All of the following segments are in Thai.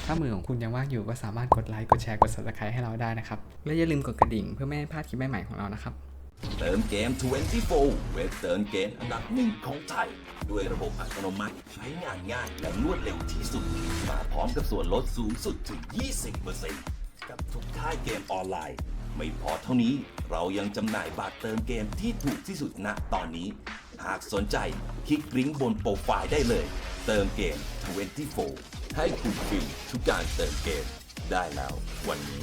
ถ้ามือของคุณยังว่างอยู่ก็สามารถกดไลค์กดแชร์กด Subscribe ให้เราได้นะครับและอย่าลืมกดกระดิ่งเพื่อไม่ให้พลาดคลิปใหม่ๆของเรานะครับเติมเกม 24 เว็บเติมเกมอันดับหนึ่งของไทย ด้วยระบบอัตโนมัติใช้งานง่ายและรวดเร็วที่สุด มาพร้อมกับส่วนลดสูงสุดถึง 20% กับทุกค่ายเกมออนไลน์ ไม่พอเท่านี้เรายังจำหน่ายบัตรเติมเกมที่ถูกที่สุดณตอนนี้ หากสนใจคลิกลิงก์บนโปรไฟล์ได้เลย เติมเกม 24 ให้คุณฟรีทุกการเติมเกมได้แล้ววันนี้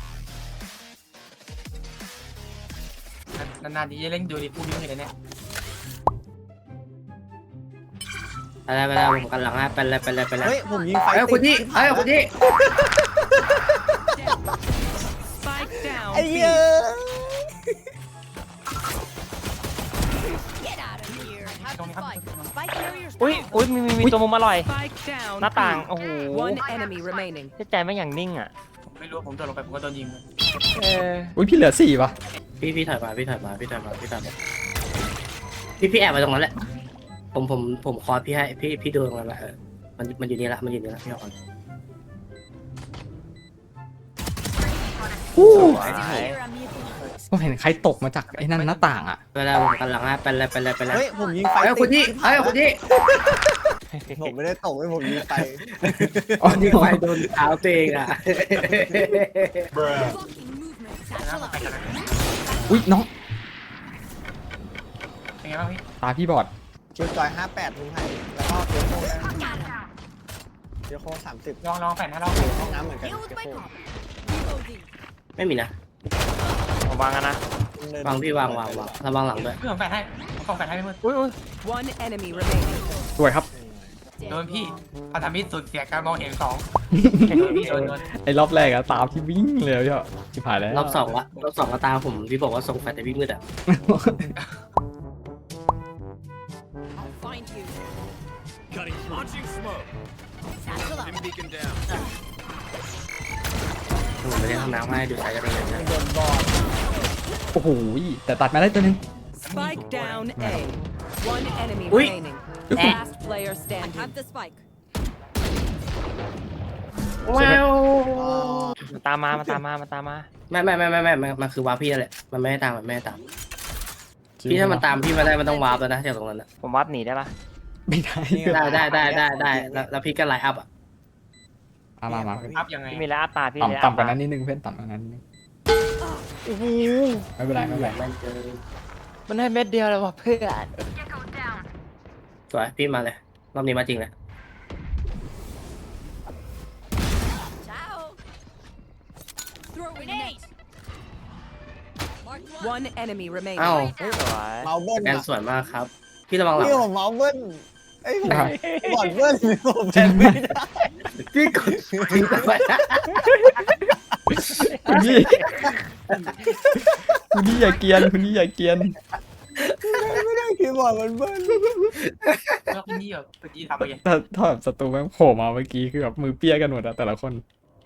นานๆทีจะเล่นดูดิพูดเยอะเลยเนี่ยไปแล้วผมกันหลังฮะไปแล้วเฮ้ยผมยิงไฟเฮ้ยคุณที่เฮ้ยคุณที่ Spike down. ไอ้เหี้ย Get out of here. Have the spike. Spike carriers อุ้ยมีตัวมุมอร่อย Spike down. หน้าต่างโอ้โห One enemy remaining. ใจไม่อย่างนิ่งอ่ะผมไม่รู้ว่าผมโดนลงไปผมก็โดนยิงอุ้ยพี่เหลือ4ป่ะพี่ถอยมาพี่แอบมาตรงนั้นแหละผมคอร์สพี่ให้พี่ดูตรงนั้นแหละมันอยู่นี่ละพี่เอาก่อนผมเห็นใครตกมาจากไอ้นั่นหน้าต่างอ่ะไปแล้วผมกันหลังฮะไปแล้วเฮ้ยผมยิงไฟเฮ้ยคุณที่เฮ้ยคุณที่ผมไม่ได้ตกให้ผมยิงไฟอ๋อยิงไฟโดนเท้าตัวเองอ่ะนะไปกันนะอุ้ยน้องเป็นไงบ้างพี่ตาพี่บอดคิวจอย58ลุงไผ่แล้วก็เกียวโค้เกียวโค้30 ลองแผ่นให้เราห้องน้ำเหมือนกันเกียวโค้ไม่มีนะผมวางกันนะวางพี่วางระวังหลังด้วยพี่ผมแผ่นให้ผมส่งแผ่นให้พี่มืดอุ้ย One enemy remaining. สวยครับโดนพี่พันธมิตรสุดเสียการมองเห็นสองโดนไอ้รอบแรกอะตามที่วิ่งเลยพี่ชิบหายแล้วรอบสองก็ตามผมพี่บอกว่าส่งแฟนแต่วิ่งมืดอ่ะ I'll find you. Launching smoke. Satchel up. Dim beacon down. ผมไปเล่นห้องน้ำให้ดูสายกันเลยนะโดนบอลโอ้โหแต่ตัดมาได้ตัวนึง Spike down A. One enemy Ui. remaining. Last player standing. I have the spike. ว้าวมันตามมาไม่มันคือวาร์ปพี่นั่นแหละมันไม่ให้ตามพี่ถ้ามันตามพี่มาได้มันต้องวาร์ปแล้วนะจากตรงนั้นอ่ะผมวัดหนีได้ปะไม่ได้ได้แล้วพี่ก็ไลน์อัพอ่ะมาอัพยังไงพี่มีแล้วอัพตาพี่เลยต่ำกว่านั้นนิดนึงเพื่อนต่ำกว่านั้นนิดนึงไม่เป็นไรมันเจอมันให้เม็ดเดียวเลยว่ะเพื่อนสวยพี่มาเลยรอบนี้มาจริงเลย Ciao. Throw grenade. One enemy remaining. อ้าวสวยเมาเบิ้ลแกนสวยมากครับ พี่ระวังหลังพี่ผมเมาเบิ้ลไอ้ยบอดเบิ้ลผมแทนไม่ได้พี่กดทิ้งไปคุณนี่อย่าเกียนไม่ได้คีย์บอร์ดมันเบิ้ลแล้วพี่นี่แบบเมื่อกี้ทำไปยังถ้าแบบศัตรูแม่งโผล่มาเมื่อกี้คือแบบมือเปี้ยกันหมดอะแต่ละคน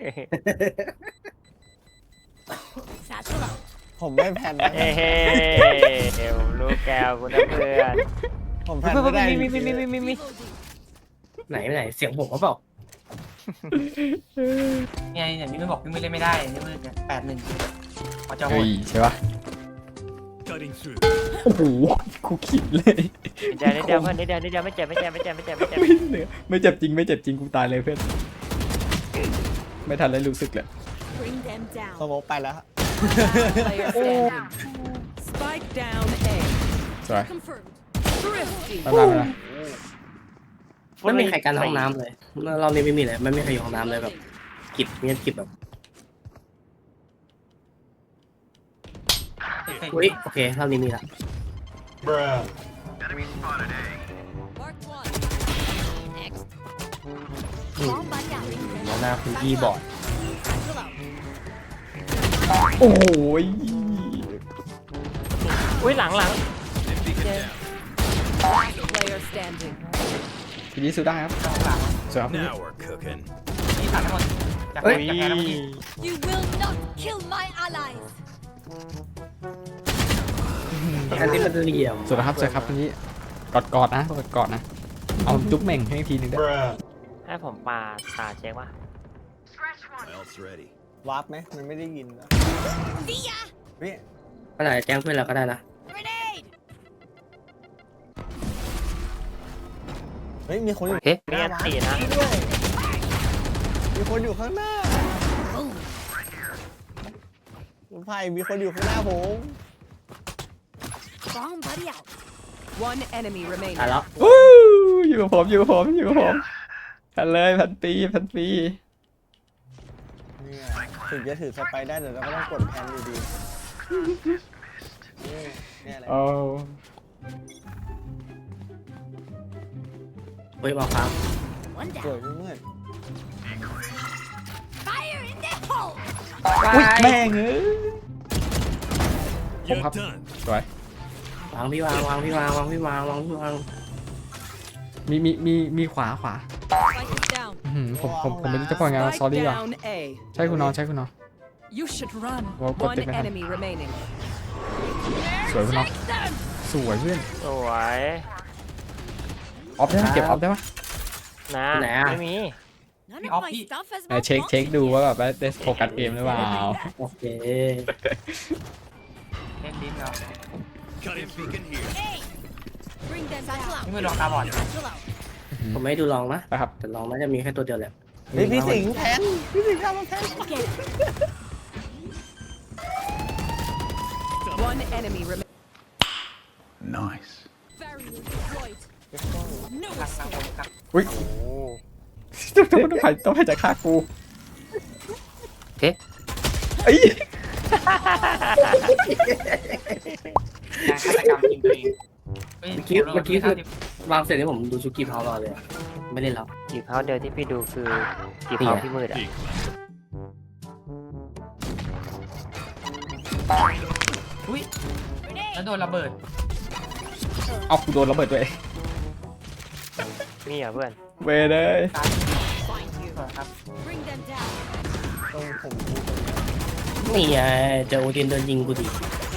Satchel up. ผมไม่แพนนะเฮ้ผมรู้แกวกูนะเพื่อนผมแพนไม่ได้มีไหนเสียงผมเขาบอกไงอย่างนี้ไม่บอกพี่มืดเล่นไม่ได้พี่มืดเนี่ย8-1พอจะโหเฮ้ดยใช่ปะ Cutting through. โอ้โหกูขิดเลยเดี๋ยวเพื่อนเดี๋ยวไม่เจ็บไม่เจ็บจริงกูตายเลยเพื่อนไม่ทันเลยรู้สึกเลย Bring them down. สโมกไปแล้ว Last player standing. Spike down A. สวย Confirmed. Thrifty. มาไม่มีใครกันห้องน้ำเลยรอบนี้ไม่มีเลยไม่มีใครอยู่ห้องน้ำเลยแบบเงียบแบบ อุ้ยโอเครอบนี้มีละ Mark one. Next. แล้วหน้าคุณพี่บอด Satchel out. โอ้ยอุ้ยหลัง Dim beacon down. Last player standing. ทีนี้สู้ได้ครับสวยครับ Now we're cooking. พี่ตัดทั้งหมดจากอุ้ยแพ้แล้วเมื่อกี้ You will not kill my allies. อันนี้มันเหลี่ยมสวยครับทีนี้กอดนะเอาจุ๊บเหม่งให้ทีนึงได้ให้ผมปาตาเช็คว่า My ult's ready. วาร์ปไหมมันไม่ได้ยินเหรอพี่ก็ได้แจ้งเพื่อนเราก็ได้นะเฮ้ยมีคนอยู่เฮ้ยมีอันตีนะด้วยมีคนอยู่ข้างหน้าคุณไผ่มีคนอยู่ข้างหน้าผม Bomb buddy out. One enemy remaining. ตายแล้ววู้อยู่กับผมอยู่กับผมอยู่กับผมพันเลยพันปีเนี่ยถึงจะถือสไปได้แต่เราก็ต้องกดแพนอยู่ดีเนี่ยแหละโอ้เฮ้ยบอกครับ One สวย down. เมื่อน Fire in the hole. อุ๊ยแม่งเอ้ย You're hấp. done. สวยวางพี่วางวางพี่วางวางพี่วางวางพี่วางมีขวา Spike is down. อื้อหือผมไม่รู้จะพูดไง Spike ซอรี่ว่ะ down A. ใช่คุณน้อง You should run. Well, got One the behind. enemy remaining. สวยคุณน้องสวยเพื่อนสวยออฟได้ไหมเก็บออฟได้ปะนะไหนอะไม่มี None Hey, of my Oppie. stuff has ไหนเช็คดูว่าแบบว่าได้โฟกัสเกมหรือเปล่าโอเคเล่นลิ้นเหรอ Cutting beacon here. Bring them down. นี่มือลองตาบอด Satchel out. ผมไม่ให้ดูลองนะนะครับแต่ลองน่าจะมีแค่ตัวเดียวแหละเฮ้ยพี่สิงห์แทนพี่สิงห์ทำมาแทน Okay. One enemy remaining. Nice. Barrier deployed. No หลักหลัก escape. หลักอุ้ยโอ้ต้องให้จะฆ่ากูเอ๊ะเอ้ยการฆาตกรรมจริงตัวเองฮ้ยเมื่อกี้คือวางเสร็จนี่ผมดูชุกี้เผารอเลยอะไม่ได้แล้วกี่เผาเดียวที่พี่ดูคือกี่เผาพี่มืดอ่ะ Peek. อุ้ยแล้วโดนระเบิดเอากูโดนระเบิดด้วยมีเหรอเพื่อนเวเลยตาย Find you. สวยครับ Bring them down. ต้องผมดูนี่ไงเจอโอดินเดินยิงกูดิ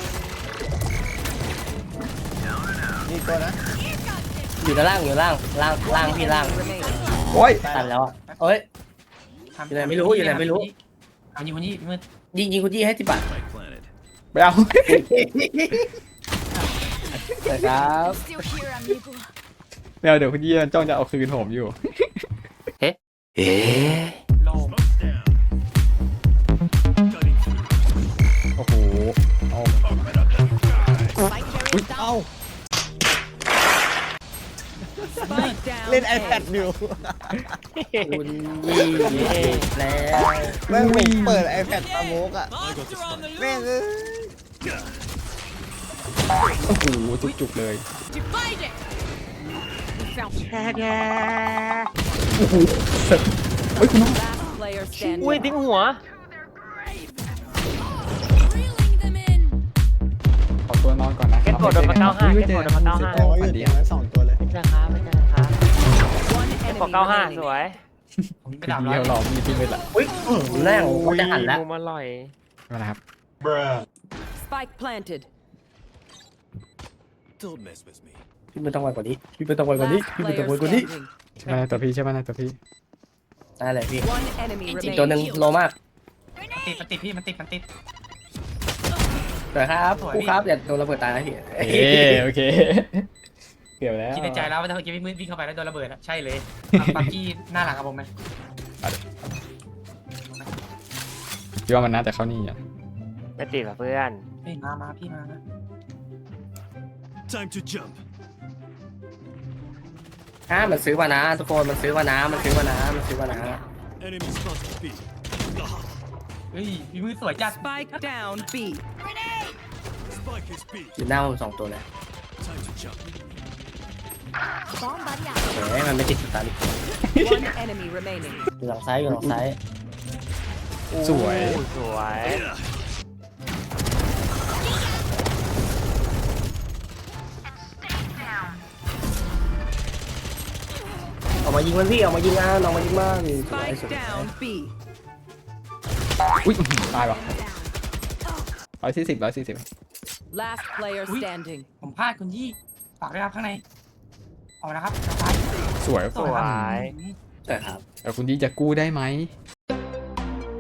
นี่ตัวนะอยู่ด้านล่างอยู่ล่างล่างพี่ล่าง Remaining. โอ้ยตันแล้วอ่ะเอ้ย อยู่ไหนไม่รู้อยู่ไหนไม่รู้เอายิงคนนี้มืดยิงคุณยี่ให้10 บาท Spike planted. ไปเอาแต่ครับ Still here, amigo. ไม่เอาเดี๋ยวคุณยี่จ้องจะเอาคืนผมอยู่โลง Smoke's down. Cutting through. โอ้โหเอา Spike carrier down. เอ้า Spike down. เล่น A. iPad อยู่คุณยี่แล้วแม่งผมเปิด iPad สโมกอ่ะ I got the spike. แม่งเอ้ยโอ้โหจุกๆเลย Divide it. We found โอ้โหเสร็จเฮ้ยคุณน้อง last player standing. อุ้ยทิ้งหัว Reeling them in. ขอตัวนอนก่อนนะเก็ตกดโดนมา95 อุ๊ยเก็ตกดโดนมา95 โอ้ยอยู่ตรงนั้น2ตัวเลยไม่ใช่ครับไม่ใช่ครับ One กด enemy 95 ส remaining. วยผมไปคือดับดีร้อยเขาหลอกมีที่มืดละอุ้ยแรงเขาจะหันแล้วมุมอร่อยมาแล้วครับ Spike planted. Don't mess with me. พี่ไม่ต้องไวกว่านี้พี่ไม่ต้องไวกว่านี้ Last พี่ไม่ต้อง player ไวกว่านี้ standing. ใช่ไหมตัวพี่ใช่ไหมนะตัวพี่ได้เลยพี่ One enemy อีกตัวหนึ่ง remaining. โลมากมันติดพี่มันติดแต่ครับครูครับอย่าโดนระเบิดตายนะพี่โอเคเกือบแล้วคิดในใจแล้วว่าถ้าเมื่อกี้พี่มืดวิ่งเข้าไปแล้วโดนระเบิดอะใช่เลยปักกี้หน้าหลังกับผมไหมคิดว่ามันน่าจะเข้านี่อ่ะไม่ติดกับเพื่อนเฮ้ยมาพี่มานะ Time to jump. มันซื้อมานะทุกคนมันซื้อมานะมันซื้อมานะมันซื้อมานะ Enemy spotted B. เฮ้ยพี่มืดสวยจัด Spike down B. Spike is B. อยู่หน้าผม2 ตัวเลย Time to jump. Bomb buddy out. เฮ้ยมันไม่ติดสตัน One enemy remaining. อยู่หลังซ้ายอยู่หลังซ้ายสวยสวยออกมายิงมันพี่ออกมายิงออกมายิงมันสวย Spike down B. อุ้ยตายว่ะ140 Last player standing. ผมพลาดคุณยี่ฝากด้วยครับข้างในเอาละครับซ้ายสวยสวยใช่ครับแต่คุณยี่จะกู้ได้ไหม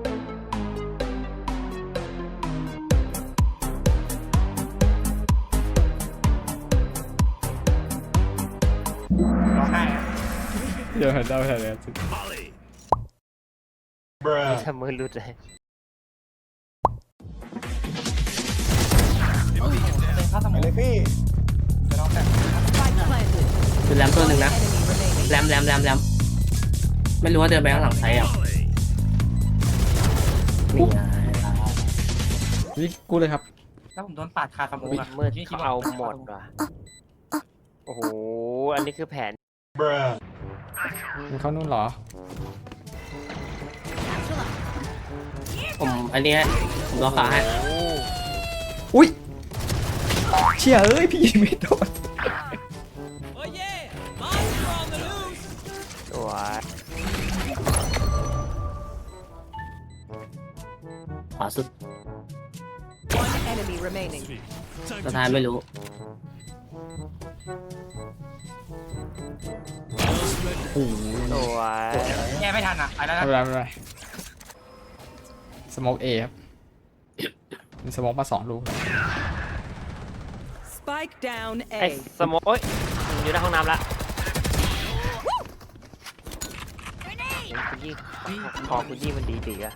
ร้องไห้อะเดี๋ยวเดาแทนเลย Molly. ทำมือหลุดเลยเป็นพระสไปมุนเลยพี่ไปร้องแต่ Spike planted. คือแรมตัวหนึ่งนะ Enemy remaining. แรมไม่รู้ว่าเดินไปข้างหลังใครอ่ะ Molly. นี่ไงนี่กูเลยครับแล้วผมโดนปาดคาสมุนมืดเขาเอาหมดว่ะโอ้โหอันนี้คือแผนมันเข้านู่นเหรอผมอันนี้ฮะผมรอขาให้อุ้ยเชี่ยเอ้ยพี่ยิงไม่โดนสวยขวาสุด One enemy remaining. Time สุด to ท้าย jump. ไม่รู้โอ้โหสวยแย่ไม่ทันอ่ะไปแล้วไม่นะเป็นไรไม่เป็นไรสโมกเอครับมีสโมกมา2 ลูก Spike down ไอ้ A. สโมกโอ้ยอยู่ในห้องน้ำละคุณยี่คอคุณยี่มันดีอะ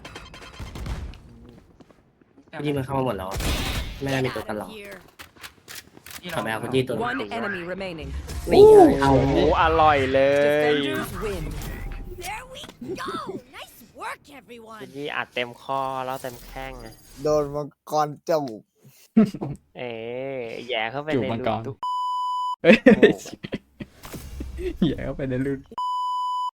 ยี่มันเข้ามาหมดแล้วอะไม่ได้มีตัวกันหรอกที่ทำไมเอาคนยี่ตัว One enemy remaining. นี่ไงเอาโอ้โหอร่อยเลย Defenders win. There we go! Nice work, everyone! คุณยี่อัดเต็มข้อแล้วเต็มแข้งไงโดนมังกรจูบเอ๋แย่เข้าไปจูบในมังรูกรตุ๊กเฮ้ยเหี้ยเข้าไปในรุ่น